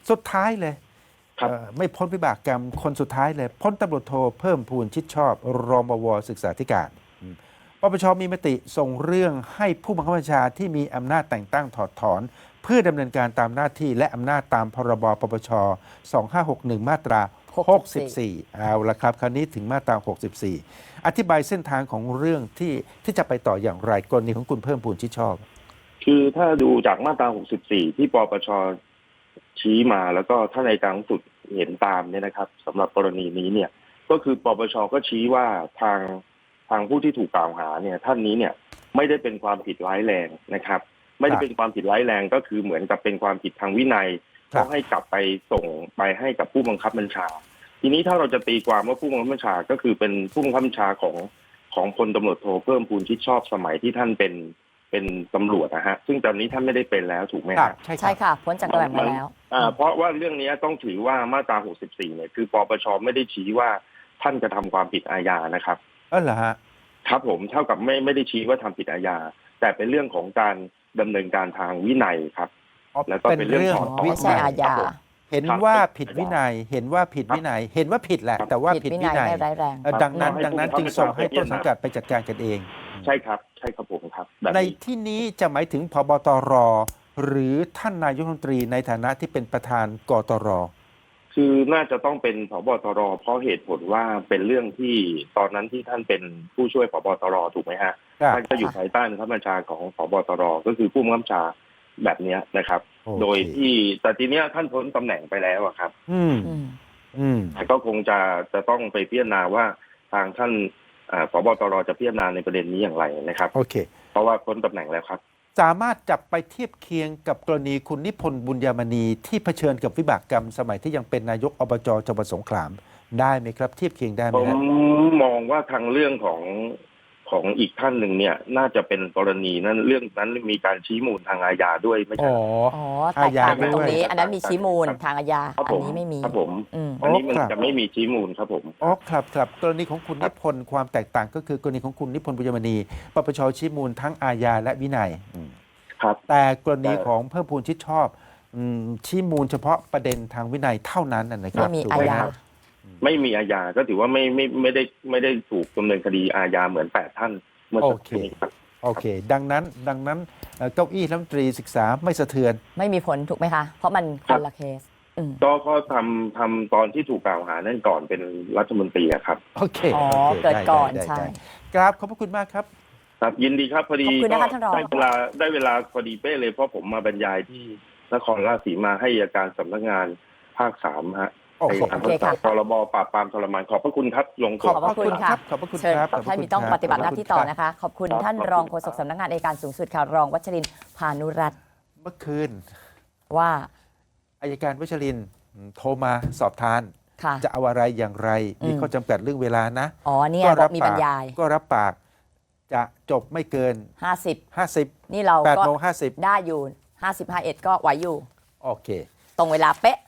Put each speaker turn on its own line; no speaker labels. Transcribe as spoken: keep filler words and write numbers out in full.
สุดท้ายเลย
ครับ
เอ่อไม่พ้นวิบากกรรมคนสุดท้ายเลยพ้นตำรวจโทเพิ่มพูนชิดชอบรองบวศึกษาธิการอืมปปชมีมติส่งเรื่องให้ผู้บังคับบัญชาที่มีอำนาจแต่งตั้งถอดถอน เพื่อดำเนินการตามหน้าที่และอำนาจตามพรบปปชสองห้าหกหนึ่งมาตราหกสิบสี่เอาละครับ คราวนี้ถึงมาตราหกสิบสี่อธิบายเส้นทางของเรื่องที่ที่จะไปต่ออย่างไรกรณีของคุณเพิ่มพูนชิดชอบ
คือถ้าดูจากมาตราหกสิบสี่ที่ปปชชี้มาแล้วก็ท่านอัยการสูงสุดเห็นตามเนี่ยนะครับสำหรับกรณีนี้เนี่ยก็คือปปชก็ชี้ว่าทางทางผู้ที่ถูกกล่าวหาเนี่ยท่านนี้เนี่ยไม่ได้เป็นความผิดร้ายแรงนะครับ ไม่ได้เป็นความผิดร้ายแรงก็คือเหมือนกับเป็นความผิดทางวินัย
ครับ
ต้องให้กลับไปส่งไปให้กับผู้บังคับบัญชา ทีนี้ถ้าเราจะตีความว่าผู้บังคับบัญชาก็คือเป็นผู้บังคับบัญชาของของพลตำรวจโทเพิ่มพูนชิดชอบสมัยที่ท่านเป็นเป็นตำรวจนะฮะซึ่งตอนนี้ท่านไม่ได้เป็นแล้วถูกไหม
ครั
ฮะ
บใช่ค
ใช่
รับ
ค่ะพ้นจากตำแหน่งมาแล้ว
อ่าเพราะว่าเรื่องนี้ต้องถือว่ามาตราหกสิบสี่เนี่ยคือปปชไม่ได้ชี้ว่าท่านจะทำความผิดอาญานะครับ
เออเหรอฮะ
ครับผมเท่ากับไม่ไม่ได้ชี้ว่าทำผิดอาญาแต่เป็นเรื่องของการดำเนินการทางวินัยครับ
อ๋อ
แล้วก็เป็นเรื่องถอนถอน
ไม่ใช่อาญา
ครับผม
เห็นว่าผิดวินัย เห็นว่าผิดวินัย เห็นว่าผิดแหละ แต่ว่า
ผิ
ผิ
ด
ด
วิ
วิ
นัย
นัย
ไม่ร้ายแรง
เอ่อดังนั้น
ให้
ดังนั้น
ผู้
จึง
บังคับ
ส่งให้
บัญชา
ต้นสังกัดไปจัดการกันเอง
ใช่ครับใช่ครับผมครับแบบ
ใน
นี้
ที่นี้จะหมายถึงพบตร หรือท่านนายกรัฐมนตรีในฐานะที่เป็นประธานกตร
คือน่าจะต้องเป็นผบตรเพราะเหตุผลว่าเป็นเรื่องที่ตอนนั้นที่ท่านเป็นผู้ช่วยผบตรถูกไหมฮะ
ครับ
ท่านก็อยู่ภายใต้บังคับบัญชาของผบตรก็คือผู้บังคับบัญชาแบบเนี้ยนะครับ
โอเค
โดยที่แต่ทีเนี้ยท่านพ้นตำแหน่งไปแล้วอะครับ
อืม
อืม
อืม
แต่ก็คงจะจะต้องไปพิจารณาว่าทางท่านอ่าผบตรจะพิจารณาในประเด็นนี้อย่างไรนะครับ
โอเค
เพราะว่าพ้นตำแหน่งแล้วครับ
สามารถจับไปเทียบเคียงกับกรณีคุณนิพนธ์บุญยามณีที่เผชิญกับวิบากกรรมสมัยที่ยังเป็นนายกอบจจังหวัดสงขลาได้ไหมครับ เทียบเคียงได้ไหม
ผม
ฮะ
มองว่าทางเรื่องของของอีกท่านหนึ่งเนี่ยน่าจะเป็นกรณีนั้นเรื่องนั้นมีการชี้มูลทางอาญาด้วยไม่
อ๋
ใช่
อ
อ๋อแตกต่างกันตรงนี้ อันนั้นมีชี้มูลทางอาญา
ครับ
อั
ผ
น
ม
นี้ไม่มี
ครับผม
อืม
อันนี้มัน
อ๋อครับ
จะไม่มีชี้มูลครับผม
อ๋อครับครับกรณีของคุณนิพนธ์ความแตกต่างก็คือกรณีของคุณนิพนธ์บุญยมณีปปชชี้มูลทั้งอาญาและวินัยอืม
ครับ
แต่กรณี
แต่
ของเพิ่มพูนชิดชอบอืมชี้มูลเฉพาะประเด็นทางวินัยเท่านั้นนะครั
ไม่
บ
มี
ถูก
อา
ไหม
ญา
ครับ
ไม่มีอาญาก็ถือว่าไม่ไม่ไม่ได้ไม่ได้ถูกดำเนินคดีอาญาเหมือนแปดท่านเมื่อสักครู่นี้ครับ
โอเค ดังนั้นดังนั้นเอ่อเก้าอี้รัฐมนตรีศึกษาไม่สะเทือน
ไม่มีผลถูกไหมคะ เพราะมันค
ครั
น
บ
ละเคส อืม
ก็ก็ทำทำตอนที่ถูกกล่าวหานั่นก่อนเป็นรัฐมนตรีอะครับ
โอเค
อ๋อ
โอค
เกิด
ไ
ก่อน
ไ
ใช่
ได้ครับขอบพระคุณมากครับ
ครับยินดีครับพอดี
ขอบคุณนะคะ
ก็
ท่านรอง
ได้เวลาได้เวลาพอดีเป๊ะเลยเพราะผมมาบรรยายที่นครราชสีมาให้อัยการสำนักงานภาคสามฮะ
โอ้โห
ไปทำประกาศพรบปราบปรามทรมานขอบพระคุณครับลง
ข
ตั
อ
ว
บพระคุณครับ ขอบพระคุณ
เชิญ
ครับขอบพระ
ท่าน
คุณ
มีต้อง
ครับ
ปฏิบัติหน้าที่ต่อ
ขบพร
นะคะ ขอบคุณ
ครับ
ท่าน
ขอบคุณ
รองโฆษกสำนักงานอัยการสูงสุดค่ะ รองวัชรินทร์พานุรัตน์
เมื่อคืน
ว่า
อายการวัชรินทร์โทรมาสอบทาน
ค่ะ
จะเอาอะไรอย่างไร มี
อืม
ข้อจำกัดเรื่องเวลานะ
อ๋อเนี่ย
ก็
บอกมีบรรยาย
ก็รับปากจะจบไม่เกิน
ห้าสิบ
ห้าสิบ
นี่เรา
แปด
ก็
โมงห้าสิบ
ได้อยู่ห้าสิบห้าเอ็ดก็ไหวอยู่
โอเค
ตรงเวลาเป๊ะ